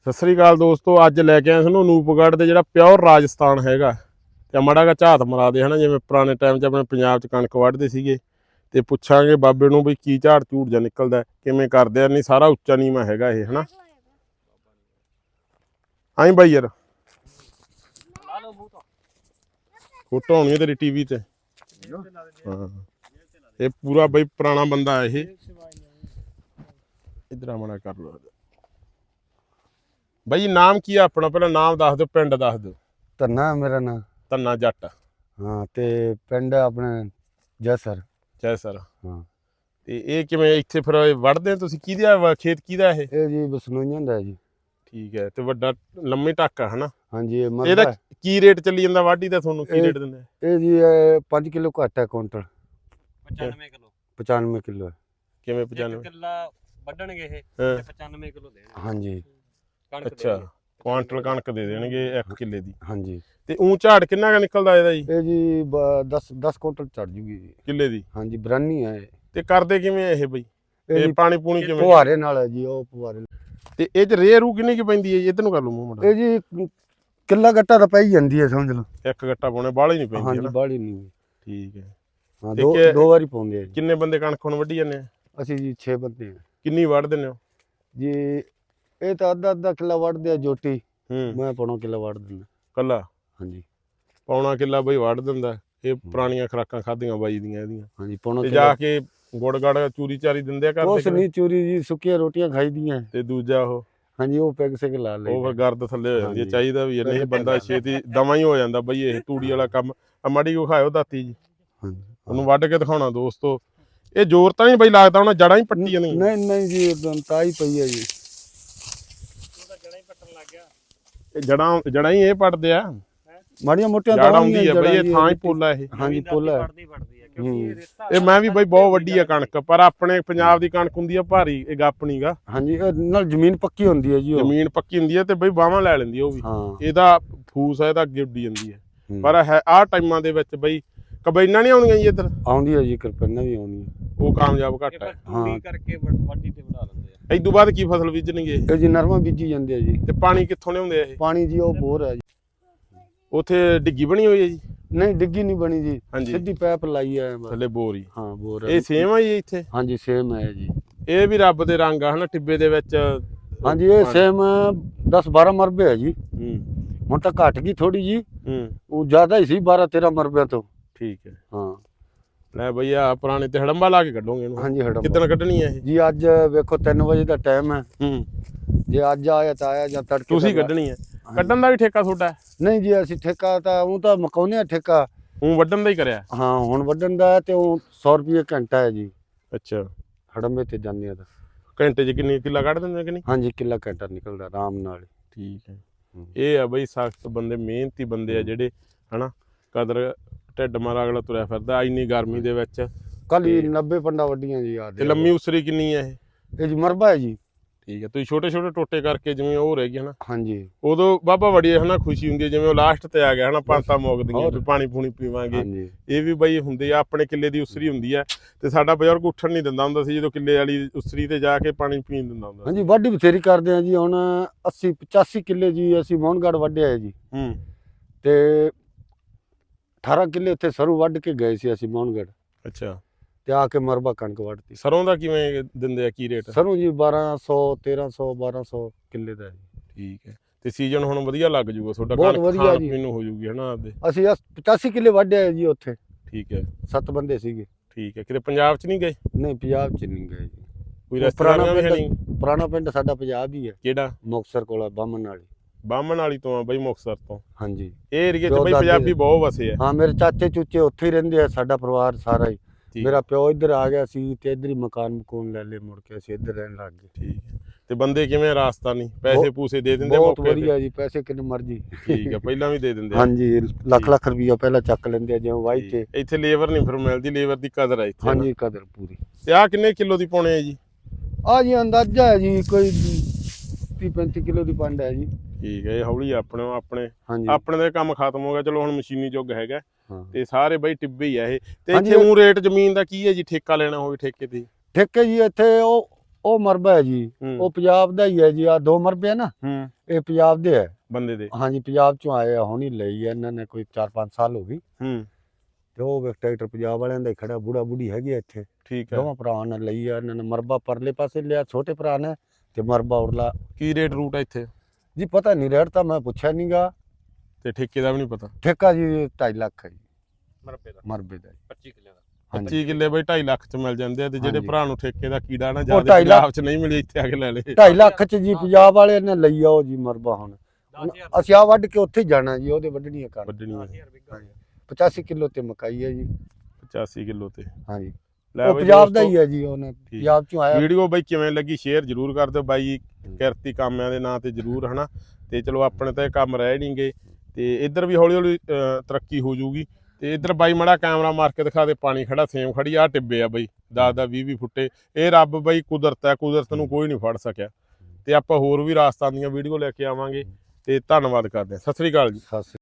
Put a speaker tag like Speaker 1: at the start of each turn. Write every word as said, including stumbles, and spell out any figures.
Speaker 1: ਸਤਿ ਸ੍ਰੀ ਅਕਾਲ ਦੋਸਤੋ, ਅੱਜ ਲੈ ਕੇ ਆਏ ਸਾਨੂੰ ਅਨੂਪਗੜ੍ਹ ਦੇ ਜਿਹੜਾ ਪਿਓਰ ਰਾਜਸਥਾਨ ਹੈਗਾ ਤੇ ਮਾੜਾ ਜਿਹਾ ਝਾਤ ਮਰਾ ਦੇ ਹਨਾ। ਜਿਵੇਂ ਪੁਰਾਣੇ ਟਾਈਮ 'ਚ ਆਪਣੇ ਪੰਜਾਬ 'ਚ ਕਣਕ ਵੱਢਦੇ ਸੀਗੇ ਤੇ ਪੁੱਛਾਂਗੇ ਬਾਬੇ ਨੂੰ ਵੀ ਕੀ ਝਾੜ ਝੂੜ ਜਾਂ ਨਿਕਲਦਾ, ਕਿਵੇਂ ਕਰਦੇ ਆ। ਨਹੀਂ ਸਾਰਾ ਉੱਚਾ ਨੀਵਾਂ ਹੈਗਾ ਇਹ ਹਨਾ। ਆਈ ਬਾਈ ਯਾਰ ਫੋਟੋ ਆਉਣੀ ਤੇਰੀ ਟੀਵੀ ਤੇ। ਹਾਂ ਇਹ ਪੂਰਾ ਬਈ ਪੁਰਾਣਾ ਬੰਦਾ ਇਹ। ਇਧਰ ਮਾੜਾ ਕਰ ਲੋ ਬਾਈ। ਨਾਮ ਕੀ ਆ ਆਪਣਾ? ਪਹਿਲਾਂ ਨਾਮ ਦੱਸ ਦਿਓ, ਪਿੰਡ ਦੱਸ ਦਿਓ।
Speaker 2: ਧੰਨਾ ਮੇਰਾ ਨਾਂ।
Speaker 1: ਧੰਨਾ ਜੱਟ।
Speaker 2: ਹਾਂ ਤੇ ਪਿੰਡ ਆਪਣੇ ਜੈਸਰ।
Speaker 1: ਜੈਸਰ।
Speaker 2: ਹਾਂ
Speaker 1: ਤੇ ਇਹ ਕਿਵੇਂ ਇੱਥੇ ਫਿਰ ਵੜਦੇ ਤੁਸੀਂ? ਕਿਹਦਾ ਖੇਤ ਕਿਹਦਾ ਇਹ?
Speaker 2: ਇਹ ਜੀ ਬਸਨੋਈਆਂ ਦਾ ਜੀ।
Speaker 1: ਠੀਕ ਹੈ। ਤੇ ਵੱਡਾ ਲੰਮੀ ਟੱਕ ਆ ਹਨਾ। ਹਾਂਜੀ।
Speaker 2: ਇਹਦਾ
Speaker 1: ਕੀ ਰੇਟ ਚੱਲੀ ਜਾਂਦਾ ਵਾਢੀ ਦਾ? ਤੁਹਾਨੂੰ ਕੀ ਰੇਟ ਦਿੰਦੇ?
Speaker 2: ਇਹ ਜੀ ਪੰਜ ਕਿਲੋ ਘੱਟ ਹੈ ਕੁਇੰਟਲ।
Speaker 3: ਪਚਾਨਵੇਂ ਕਿਲੋ।
Speaker 2: ਪਚਾਨਵੇਂ ਕਿਲੋ।
Speaker 1: ਕਿਵੇਂ ਪਚਾਨਵੇਂ
Speaker 3: ਕਿੱਲਾ ਵੱਢਣਗੇ ਇਹ ਤੇ ਪਚਾਨਵੇਂ ਕਿਲੋ ਦੇਣਗੇ।
Speaker 2: ਹਾਂਜੀ।
Speaker 1: ਅੱਛਾ, ਕੁਆਂਟਲ ਕਣਕ ਦੇ ਦੇਣਗੇ ਇੱਕ ਕਿੱਲੇ ਦੀ।
Speaker 2: ਹਾਂਜੀ।
Speaker 1: ਤੇ ਉਂ ਝਾੜ ਕਿੰਨਾ ਕ ਨਿਕਲਦਾ ਇਹਦਾ ਜੀ?
Speaker 2: ਇਹ ਜੀ ਦਸ ਦਸ ਕੁਇੰਟਲ ਚੜ ਜੂਗੀ ਜੀ
Speaker 1: ਕਿੱਲੇ ਦੀ।
Speaker 2: ਹਾਂਜੀ, ਬਰਾਨੀ ਹੈ।
Speaker 1: ਤੇ ਕਰਦੇ ਕਿਵੇਂ ਇਹ ਬਈ? ਇਹ ਪਾਣੀ ਪੂਣੀ ਕਿਵੇਂ?
Speaker 2: ਫੁਹਾਰੇ ਨਾਲ ਹੈ ਜੀ, ਉਹ ਫੁਹਾਰੇ।
Speaker 1: ਤੇ ਇਹ ਚ ਰੇ ਰੂ ਕਿੰਨੀ ਕੀ ਪੈਂਦੀ ਹੈ ਜੀ? ਇੱਧਰ ਨੂੰ ਕਰ ਲਓ ਮੂੰਹ ਮੁੰਡਾ।
Speaker 2: ਇਹ ਜੀ ਕਿੱਲਾ ਗੱਟਾ ਤਾਂ ਪੈ ਹੀ ਜਾਂਦੀ ਹੈ, ਸਮਝ ਲਓ।
Speaker 1: ਇੱਕ ਗੱਟਾ ਪਾਉਣੇ ਬਾਹਲੀ ਨਹੀਂ ਪੈਂਦੀ?
Speaker 2: ਹਾਂਜੀ, ਬਾਹਲੀ ਨਹੀਂ।
Speaker 1: ਠੀਕ ਹੈ।
Speaker 2: ਹਾਂ, ਦੋ ਦੋ ਵਾਰੀ ਪਾਉਂਦੇ ਆ ਜੀ।
Speaker 1: ਕਿੰਨੇ ਬੰਦੇ ਕਣਕ ਹੁਣ ਵੱਢੀ ਜਾਂਦੇ ਆ?
Speaker 2: ਅਸੀਂ ਜੀ ਛੇ ਬੰਦੇ ਆ।
Speaker 1: ਕਿੰਨੀ ਵੱਢ ਦਿੰਦੇ ਹੋ
Speaker 2: ਜੀ? ਇਹ ਤਾਂ ਅੱਧਾ ਅੱਧਾ ਕਿੱਲਾ ਵੱਢਦੇ ਆ ਜੋਟੀ।
Speaker 1: ਹੂੰ।
Speaker 2: ਮੈਂ ਪੌਣਾ ਕਿੱਲਾ ਵੱਢ ਦਿੰਦਾ
Speaker 1: ਕੱਲਾ?
Speaker 2: ਹਾਂਜੀ।
Speaker 1: ਪੌਣਾ ਕਿੱਲਾ ਬਈ ਵੱਢ ਦਿੰਦਾ। ਇਹ ਪੁਰਾਣੀਆਂ ਖੁਰਾਕਾਂ ਖਾਧੀਆਂ ਬਾਈ ਦੀਆਂ ਇਹਦੀਆਂ।
Speaker 2: ਹਾਂਜੀ, ਪੌਣਾ
Speaker 1: ਤੇ
Speaker 2: ਕਿੱਲਾ।
Speaker 1: ਜਾ ਕੇ ਗੁੜ ਗੜ ਚੂਰੀ ਚਾਰੀ ਦਿੰਦੇ ਆ?
Speaker 2: ਕੁਛ
Speaker 1: ਕਰਦੇ
Speaker 2: ਨਹੀਂ, ਚੂਰੀ ਜੀ ਸੁੱਕੀਆਂ ਰੋਟੀਆਂ ਖਾਈਦੀਆਂ।
Speaker 1: ਤੇ ਦੂਜਾ ਉਹ?
Speaker 2: ਹਾਂਜੀ, ਉਹ ਪੈਗ ਸਿਕ ਲਾ ਲਈ।
Speaker 1: ਉਹ ਫਿਰ ਗਰਦ ਥੱਲੇ ਹੋ ਜਾਂਦੀ ਹੈ। ਚਾਹੀਦਾ ਵੀ ਨਹੀਂ ਬੰਦਾ ਛੇਤੀ ਦਵਾਂ ਹੀ ਹੋ ਜਾਂਦਾ ਬਈ ਇਹ ਤੂੜੀ ਵਾਲਾ ਕੰਮ। ਆ ਮਾੜੀ ਕੋ ਖਾਇਓ ਦਾਤੀ ਜੀ, ਉਹਨੂੰ ਵੱਢ ਕੇ ਦਿਖਾਉਣਾ ਦੋਸਤੋ। ਇਹ ਜ਼ੋਰ ਤਾਂ ਨਹੀਂ ਬਈ ਲੱਗਦਾ ਉਹਨਾਂ ਜੜਾਂ ਹੀ ਪੱਟੀ ਜਾਂਦੀਆਂ?
Speaker 2: ਨਹੀਂ ਨਹੀਂ ਜੀ, ਤਾਈ ਪਈ ਹੈ ਜੀ।
Speaker 3: ਜੜਾਂ ਹੀ ਪੱਟਣ ਲੱਗ ਗਿਆ।
Speaker 1: ਇਹ ਜੜਾਂ ਜੜਾਂ ਹੀ ਇਹ ਪੱਟਦੇ ਆ?
Speaker 2: ਮਾੜੀਆਂ ਮੋਟੀਆਂ
Speaker 1: ਜੜ ਆਉਂਦੀ ਹੈ ਬਈ, ਇਹ ਥਾਂ ਹੀ ਪੋਲਾ ਇਹ।
Speaker 2: ਹਾਂਜੀ, ਪੋਲਾ
Speaker 3: ਪੜਦੀ ਪੜਦੀ ਹੈ ਕਿਉਂਕਿ ਇਹ ਰੇਤਾ।
Speaker 1: ਇਹ ਮੈਂ ਵੀ ਬਈ ਬਹੁਤ ਵੱਡੀ ਆ ਕਣਕ, ਪਰ ਆਪਣੇ ਪੰਜਾਬ ਦੀ ਕਣਕ ਹੁੰਦੀ ਆ ਭਾਰੀ, ਇਹ ਗੱਪਣੀ ਗਾ।
Speaker 2: ਹਾਂਜੀ, ਇਹ ਨਾਲ ਜ਼ਮੀਨ ਪੱਕੀ ਹੁੰਦੀ ਹੈ ਜੀ।
Speaker 1: ਜ਼ਮੀਨ ਪੱਕੀ ਹੁੰਦੀ ਹੈ ਤੇ ਬਈ ਬਾਹਾਂ ਲੈ ਲੈਂਦੀ ਉਹ ਵੀ।
Speaker 2: ਹਾਂ,
Speaker 1: ਇਹਦਾ ਫੂਸ ਹੈ ਇਹਦਾ ਅੱਗੇ ਉੱਡੀ ਜਾਂਦੀ ਹੈ। ਪਰ ਹੈ ਆਹ ਟਾਈਮਾਂ ਦੇ ਵਿੱਚ ਬਈ ਕਬੈਨਾਂ ਨਹੀਂ ਆਉਂਦੀਆਂ ਜੀ ਇੱਧਰ?
Speaker 2: ਆਉਂਦੀ ਹੈ ਜੀ, ਕਿਰਪਾਨਾਂ ਵੀ ਆਉਂਦੀਆਂ।
Speaker 1: ਉਹ ਕਾਮਯਾਬ ਘੱਟ ਹੈ।
Speaker 3: ਹਾਂ, ਕਰਕੇ ਵਾਢੀ ਤੇ ਵੜਾ ਲੈਂਦੇ ਆ।
Speaker 1: ਇਦੋਂ ਬਾਅਦ ਕੀ ਫਸਲ ਬੀਜਣਗੇ?
Speaker 2: ਇਹ ਜੀ ਨਰਮਾ ਬੀਜੀ ਜਾਂਦੇ ਆ ਜੀ।
Speaker 1: ਤੇ ਪਾਣੀ ਕਿੱਥੋਂ ਲਿਆਉਂਦੇ ਆ ਇਹ?
Speaker 2: ਪਾਣੀ ਜੀ ਉਹ ਬੋਰ ਹੈ ਜੀ।
Speaker 1: ਉੱਥੇ ਡਿੱਗੀ ਬਣੀ ਹੋਈ ਹੈ ਜੀ?
Speaker 2: ਨਹੀਂ, ਡਿੱਗੀ ਨਹੀਂ ਬਣੀ ਜੀ,
Speaker 1: ਹਾਂਜੀ,
Speaker 2: ਸਿੱਧੀ ਪੈਪ ਲਾਈ ਹੈ
Speaker 1: ਥੱਲੇ ਬੋਰ ਹੀ।
Speaker 2: ਹਾਂ, ਬੋਰ ਹੈ।
Speaker 1: ਇਹ ਸੇਮ ਆ ਜੀ ਇੱਥੇ?
Speaker 2: ਹਾਂਜੀ, ਸੇਮ ਹੈ ਜੀ।
Speaker 1: ਇਹ ਵੀ ਰੱਬ ਦੇ ਰੰਗ ਆ ਹਨਾ, ਟਿੱਬੇ ਦੇ ਵਿੱਚ।
Speaker 2: ਹਾਂਜੀ, ਇਹ ਸੇਮ ਦਸ ਬਾਰਾਂ ਮਰਬੇ ਹੈ ਜੀ।
Speaker 1: ਹੂੰ।
Speaker 2: ਹੁਣ ਤਾਂ ਘਟ ਗਈ ਥੋੜੀ ਜੀ।
Speaker 1: ਹੂੰ।
Speaker 2: ਉਹ ਜ਼ਿਆਦਾ ਹੀ ਸੀ, ਬਾਰਾਂ ਤੇਰਾਂ ਮਰਬਿਆਂ ਤੋਂ।
Speaker 1: ਠੀਕ ਹੈ।
Speaker 2: ਹਾਂ
Speaker 1: ਲੈ ਬਈ ਆ ਪੁਰਾਣੇ ਤੇ ਹੜੰਬਾ ਲਾ ਕੇ ਕੱਢੋਗੇ ਇਹਨੂੰ?
Speaker 2: ਹਾਂਜੀ, ਹੜੰਬਾ।
Speaker 1: ਕਿੱਦਣ ਕੱਢਣੀ ਹੈ ਇਹ
Speaker 2: ਜੀ? ਅੱਜ ਵੇਖੋ ਤਿੰਨ ਵਜੇ ਦਾ ਟਾਈਮ ਹੈ।
Speaker 1: ਹੂੰ।
Speaker 2: ਜੇ ਅੱਜ ਆਇਆ ਤਾਂ ਆਇਆ, ਜਾਂ ਤੜਕੇ
Speaker 1: ਤੁਸੀਂ ਕੱਢਣੀ ਹੈ? ਕੱਢਣ ਦਾ ਵੀ ਠੇਕਾ ਤੁਹਾਡਾ?
Speaker 2: ਨਹੀਂ ਜੀ, ਅਸੀਂ ਠੇਕਾ ਤਾਂ ਉਹ ਤਾਂ ਮਕਾਉਂਦੇ ਆ ਠੇਕਾ।
Speaker 1: ਹੂੰ, ਵੱਢਣ ਦਾ ਹੀ ਕਰਿਆ?
Speaker 2: ਹਾਂ, ਹੁਣ ਵੱਢਣ ਦਾ ਤੇ ਉਹ ਸੌ ਰੁਪਏ ਘੰਟਾ ਹੈ ਜੀ।
Speaker 1: ਅੱਛਾ।
Speaker 2: ਹੜੰਬੇ ਤੇ ਜਾਂਦੇ ਆ ਤਾਂ
Speaker 1: ਘੰਟੇ 'ਚ ਕਿੰਨੀ ਕਿੱਲਾ ਕੱਢ ਦਿੰਦੇ ਕਿ ਨਹੀਂ?
Speaker 2: ਹਾਂਜੀ, ਕਿੱਲਾ ਘੰਟਾ ਨਿਕਲਦਾ ਆਰਾਮ ਨਾਲ।
Speaker 1: ਠੀਕ ਹੈ। ਇਹ ਆ ਬਈ ਸਖਤ ਬੰਦੇ, ਮਿਹਨਤੀ ਬੰਦੇ ਆ ਜਿਹੜੇ ਹਨਾ। ਕਦਰ ਢਿੱਡ ਮਾਰਾ ਅਗਲਾ ਤੁਰਿਆ ਫਿਰਦਾ ਇੰਨੀ ਗਰਮੀ ਦੇ ਵਿੱਚ।
Speaker 2: ਕੱਲ ਹੀ ਨੱਬੇ ਪੰਡਾ ਵੱਡੀਆਂ ਜੀ। ਆ
Speaker 1: ਤੇ ਲੰਮੀ ਉਸਰੀ ਕਿੰਨੀ ਹੈ ਇਹ?
Speaker 2: ਇਹ ਜੀ ਮਰਬਾ ਹੈ ਜੀ।
Speaker 1: ਠੀਕ ਹੈ। ਤੁਸੀਂ ਛੋਟੇ ਛੋਟੇ ਟੋਟੇ ਕਰਕੇ ਜਿਵੇਂ ਉਹ ਰਹਿ ਗਏ ਹਨਾ।
Speaker 2: ਹਾਂਜੀ।
Speaker 1: ਉਦੋਂ ਬਾਬਾ ਬੜੀ ਹਨਾ ਖੁਸ਼ੀ ਹੁੰਦੀ ਹੈ, ਜਿਵੇਂ ਉਹ ਲਾਸਟ ਤੇ ਆ ਗਿਆ ਹਨਾ, ਪੰਤਾਂ ਮੁੱਕਦੀਆਂ ਵੀ ਪਾਣੀ ਪੂਣੀ ਪੀਵਾਂਗੇ।
Speaker 2: ਹਾਂਜੀ।
Speaker 1: ਇਹ ਵੀ ਬਈ ਹੁੰਦੇ ਆ, ਆਪਣੇ ਕਿੱਲੇ ਦੀ ਉਸਰੀ ਹੁੰਦੀ ਆ। ਤੇ ਸਾਡਾ ਬਜ਼ੁਰਗ ਉੱਠਣ ਨਹੀਂ ਦਿੰਦਾ ਹੁੰਦਾ ਸੀ ਜਦੋਂ ਕਿੱਲੇ ਵਾਲੀ ਉਸਰੀ ਤੇ ਜਾ ਕੇ ਪਾਣੀ ਪੀਣ ਦਿੰਦਾ ਹੁੰਦਾ।
Speaker 2: ਹਾਂਜੀ, ਵਾਢੀ ਬਥੇਰੀ ਕਰਦੇ ਆ ਜੀ। ਹੁਣ ਅੱਸੀ ਪਚਾਸੀ ਕਿੱਲੇ ਜੀ ਅਸੀਂ ਮੋਹਨਗੜ੍ਹ ਵੱਢਿਆ ਹੈ ਜੀ।
Speaker 1: ਹੂੰ।
Speaker 2: ਤੇ ਅਠਾਰਾਂ ਕਿੱਲੇ ਉੱਥੇ ਸਰੋਂ ਵੱਢ ਕੇ ਗਏ ਸੀ ਅਸੀਂ ਮੋਹਨਗੜ੍ਹ।
Speaker 1: ਅੱਛਾ।
Speaker 2: ਤੇ ਆ ਕੇ ਮਰਬਾ ਕਣਕ ਵੱਢਤੀ।
Speaker 1: ਸਰੋਂ ਦਾ ਕਿਵੇਂ ਦਿੰਦੇ ਆ, ਕੀ ਰੇਟ?
Speaker 2: ਸਰੋਂ ਜੀ ਬਾਰਾਂ ਸੌ ਤੇਰਾਂ ਸੌ ਬਾਰਾਂ ਸੌ ਕਿੱਲੇ ਦਾ ਜੀ।
Speaker 1: ਠੀਕ ਹੈ। ਤੇ ਸੀਜ਼ਨ ਹੁਣ ਵਧੀਆ ਲੱਗ ਜੂਗਾ ਤੁਹਾਡਾ?
Speaker 2: ਬਹੁਤ
Speaker 1: ਕਣਕ
Speaker 2: ਵਧੀਆ
Speaker 1: ਖਾਣ
Speaker 2: ਜੀ।
Speaker 1: ਪੀਣ ਨੂੰ ਹੋ ਜੂਗੀ ਹਨਾ ਆਪਦੇ?
Speaker 2: ਅਸੀਂ ਪਚਾਸੀ ਕਿੱਲੇ ਵੱਢਿਆ ਹੈ ਜੀ ਉੱਥੇ।
Speaker 1: ਠੀਕ ਹੈ।
Speaker 2: ਸੱਤ ਬੰਦੇ ਸੀਗੇ।
Speaker 1: ਠੀਕ ਹੈ। ਕਿਤੇ ਪੰਜਾਬ 'ਚ ਨਹੀਂ ਗਏ?
Speaker 2: ਨਹੀਂ, ਪੰਜਾਬ 'ਚ ਨਹੀਂ ਗਏ ਜੀ।
Speaker 1: ਕੋਈ ਰਸਤਾ ਵੀ ਨਹੀਂ?
Speaker 2: ਪੁਰਾਣਾ ਪਿੰਡ ਸਾਡਾ ਪੰਜਾਬ ਹੀ ਹੈ।
Speaker 1: ਕਿਹੜਾ?
Speaker 2: ਮੁਕਤਸਰ ਕੋਲ ਬਾਮਣ ਵਾਲੀ।
Speaker 1: ਬਾਮਣ ਵਾਲੀ ਤੋਂ ਆ ਬਈ, ਮੁਕਤਸਰ ਤੋਂ?
Speaker 2: ਹਾਂਜੀ।
Speaker 1: ਇਹ ਏਰੀਏ 'ਚ ਬਈ ਪੰਜਾਬੀ ਬਹੁਤ ਵਸੇ ਆ।
Speaker 2: ਹਾਂ, ਮੇਰੇ ਚਾਚੇ ਚੂਚੇ ਉੱਥੇ ਹੀ ਰਹਿੰਦੇ ਆ, ਸਾਡਾ ਪਰਿਵਾਰ ਸਾਰਾ ਹੀ। ਮੇਰਾ ਪਿਓ ਇੱਧਰ ਆ ਗਿਆ ਸੀ ਤੇ ਇੱਧਰ ਹੀ ਮਕਾਨ ਮਕੂਨ ਲੈ ਲਏ, ਮੁੜ ਕੇ ਅਸੀਂ ਇੱਧਰ ਰਹਿਣ ਲੱਗ ਗਏ।
Speaker 1: ਠੀਕ ਹੈ। ਤੇ ਬੰਦੇ ਕਿਵੇਂ ਰਾਜਸਥਾਨੀ? ਪੈਸੇ ਪੂਸੇ ਦੇ ਦਿੰਦੇ?
Speaker 2: ਬਹੁਤ ਵਧੀਆ ਜੀ, ਪੈਸੇ ਕਿੰਨੇ ਮਰਜੀ।
Speaker 1: ਠੀਕ ਹੈ। ਪਹਿਲਾਂ ਵੀ ਦੇ ਦਿੰਦੇ?
Speaker 2: ਹਾਂਜੀ, ਲੱਖ ਲੱਖ ਰੁਪਈਆ ਪਹਿਲਾਂ ਚੱਕ ਲੈਂਦੇ ਆ ਜਿਵੇਂ ਵਾਈ ਤੇ।
Speaker 1: ਇੱਥੇ ਲੇਬਰ ਨਹੀਂ ਫਿਰ ਮਿਲਦੀ? ਲੇਬਰ ਦੀ ਕਦਰ ਹੈ ਇੱਥੇ?
Speaker 2: ਹਾਂਜੀ, ਕਦਰ ਪੂਰੀ।
Speaker 1: ਤੇ ਆਹ ਕਿੰਨੇ ਕਿਲੋ ਦੀ ਪਾਉਣੇ ਆ ਜੀ?
Speaker 2: ਆ ਜੀ ਅੰਦਾਜ਼ਾ ਹੈ ਜੀ ਕੋਈ ਤੀਹ ਪੈਂਤੀ ਕਿਲੋ ਦੀ ਪੰਡ ਹੈ ਜੀ।
Speaker 1: ਠੀਕ ਹੈ। ਇਹ ਹੌਲੀ ਆਪਣੇ ਆਪਣੇ
Speaker 2: ਹਾਂਜੀ।
Speaker 1: ਆਪਣੇ ਦਾ ਕੰਮ ਖਤਮ ਹੋ ਗਿਆ, ਚਲੋ ਹੁਣ ਮਸ਼ੀਨੀ ਯੁੱਗ ਹੈਗਾ।
Speaker 2: ਹਾਂ।
Speaker 1: ਤੇ ਸਾਰੇ ਬਈ ਟਿੱਬੇ ਹੀ ਆ ਇਹ। ਤੇ ਇੱਥੇ ਉਹ ਰੇਟ ਜ਼ਮੀਨ ਦਾ ਕੀ ਹੈ ਜੀ? ਠੇਕਾ ਲੈਣਾ ਹੋਵੇ ਠੇਕੇ ਤੇ?
Speaker 2: ਠੇਕੇ ਜੀ ਇੱਥੇ ਉਹ ਉਹ ਮਰਬਾ ਹੈ ਜੀ,
Speaker 1: ਹੂੰ
Speaker 2: ਉਹ ਪੰਜਾਬ ਦਾ ਹੀ ਹੈ ਜੀ। ਆ ਦੋ ਮਰਬੇ ਆ ਨਾ,
Speaker 1: ਹੂੰ
Speaker 2: ਇਹ ਪੰਜਾਬ ਦੇ ਹੈ
Speaker 1: ਬੰਦੇ ਦੇ।
Speaker 2: ਹਾਂਜੀ, ਪੰਜਾਬ ਚੋਂ ਆਏ ਆ, ਹੁਣ ਹੀ ਲਈ ਹੈ ਇਹਨਾਂ ਨੇ, ਕੋਈ ਚਾਰ ਪੰਜ ਸਾਲ ਹੋ ਗਈ।
Speaker 1: ਹੂੰ
Speaker 2: ਤੇ ਉਹ ਵੇਖ ਟਰੈਕਟਰ ਪੰਜਾਬ ਵਾਲਿਆਂ ਦਾ ਹੀ ਖੜਾ, ਬੁੜਾ ਬੁੜੀ ਹੈਗੀ ਆ ਇੱਥੇ।
Speaker 1: ਠੀਕ ਹੈ।
Speaker 2: ਦੋਵਾਂ ਭਰਾਵਾਂ ਨੇ ਲਈ ਆ ਇਹਨਾਂ ਨੇ। ਮਰਬਾ ਪਰਲੇ ਪਾਸੇ ਲਿਆ ਛੋਟੇ ਭਰਾ ਨੇ, ਤੇ ਮਰਬਾ ਉਰਲਾ
Speaker 1: ਕੀ ਰੇਟ ਰੂਟ ਹੈ ਇੱਥੇ?
Speaker 2: ਜੀ ਪਤਾ ਨਹੀਂ, ਰੇਟ ਤਾਂ ਮੈਂ ਪੁੱਛਿਆ ਨਹੀਂਗਾ।
Speaker 1: ਤੇ ਠੇਕੇ ਦਾ ਵੀ ਨਹੀਂ ਪਤਾ?
Speaker 2: ਠੇਕਾ ਜੀ ਢਾਈ ਲੱਖ ਹੈ ਜੀ
Speaker 3: ਮਰਬੇ ਦਾ,
Speaker 2: ਮਰਬੇ ਦਾ।
Speaker 3: ਪੱਚੀ ਕਿੱਲੇ ਦਾ।
Speaker 2: ਹਾਂਜੀ।
Speaker 1: ਪੱਚੀ ਕਿੱਲੇ ਬਈ ਢਾਈ ਲੱਖ ਚ ਮਿਲ ਜਾਂਦੇ ਆ, ਤੇ ਜਿਹੜੇ
Speaker 2: ਹਾਂਜੀ।
Speaker 1: ਭਰਾ ਨੂੰ ਠੇਕੇ ਦਾ ਕੀੜਾ ਨਾ
Speaker 2: ਉਹ
Speaker 1: ਜਿਆਦਾ
Speaker 2: ਢਾਈ ਲੱਖ-
Speaker 1: ਪੰਜਾਬ ਚ ਨਹੀਂ ਮਿਲੇ, ਇੱਥੇ ਆ ਕੇ ਲੈ ਲੇ।
Speaker 2: ਢਾਈ ਲੱਖ ਚ ਜੀ ਪੰਜਾਬ ਵਾਲੇ ਨੇ ਲਈ ਆ ਉਹ ਜੀ ਮਰਬਾ। ਹੁਣ
Speaker 3: ਦਸ ਹਜ਼ਾਰ
Speaker 2: ਅਸੀਂ ਆ ਵੱਢ ਕੇ ਉੱਥੇ ਹੀ ਜਾਣਾ ਜੀ, ਉਹਦੇ ਵੱਢਣੀ ਹੈ ਕਰ।
Speaker 1: ਵੱਢਣੀ
Speaker 3: ਦਸ
Speaker 1: ਹੈ
Speaker 3: ਹਜ਼ਾਰ ਬਿੱਗਾ ਹੋ ਗਿਆ।
Speaker 2: ਪਚਾਸੀ ਕਿਲੋ ਤੇ ਮਕਾਈ ਹੈ ਜੀ।
Speaker 1: ਪਚਾਸੀ ਕਿਲੋ ਤੇ।
Speaker 2: ਹਾਂਜੀ,
Speaker 1: ਲੈ
Speaker 2: ਉਹ
Speaker 1: ਬਈ
Speaker 2: ਪੰਜਾਬ ਦਾ
Speaker 1: ਦੋਸਤੋ,
Speaker 2: ਹੀ ਹੈ ਜੀ, ਉਹਨੇ ਪੰਜਾਬ ਚੋਂ ਆਇਆ।
Speaker 1: ਵੀਡੀਓ ਬਾਈ ਕਿਵੇਂ ਲੱਗੀ ਸ਼ੇਅਰ ਜ਼ਰੂਰ ਕਰ ਦਿਓ ਬਾਈ ਕਿਰਤੀ ਕਾਮਿਆਂ ਦੇ ਨਾਂ ਤੇ ਜ਼ਰੂਰ, ਹਨਾ। ਤੇ ਚਲੋ ਆਪਣੇ ਤਾਂ ਇਹ ਕੰਮ ਰਹਿ ਨਹੀਂਗੇ, ਤੇ ਇੱਧਰ ਵੀ ਹੌਲੀ ਹੌਲੀ ਅਹ, ਤਰੱਕੀ ਹੋ ਜਾਊਗੀ। ਤੇ ਇੱਧਰ ਬਾਈ ਮੜਾ ਕੈਮਰਾ ਮਾਰ ਕੇ ਦਿਖਾ ਦੇ, ਪਾਣੀ ਖੜਾ, ਸੇਮ ਖੜੀ ਆ, ਟਿੱਬੇ ਆ ਬਾਈ ਦਸ ਦਸ ਵੀਹ ਵੀਹ ਫੁੱਟੇ। ਇਹ ਰੱਬ ਬਾਈ ਕੁਦਰਤ ਹੈ, ਕੁਦਰਤ ਨੂੰ ਕੋਈ ਨਹੀਂ ਫੜ ਸਕਿਆ। ਤੇ ਆਪਾਂ ਹੋਰ ਵੀ ਰਾਜਸਥਾਨ ਦੀਆਂ ਵੀਡੀਓ ਲੈ ਕੇ ਆਵਾਂਗੇ। ਤੇ ਧੰਨਵਾਦ ਕਰਦੇ ਹਾਂ। ਸਤਿ ਸ੍ਰੀ ਅਕਾਲ ਜੀ।
Speaker 2: ਸਤਿ ਸ੍ਰੀ ਅਕਾਲ।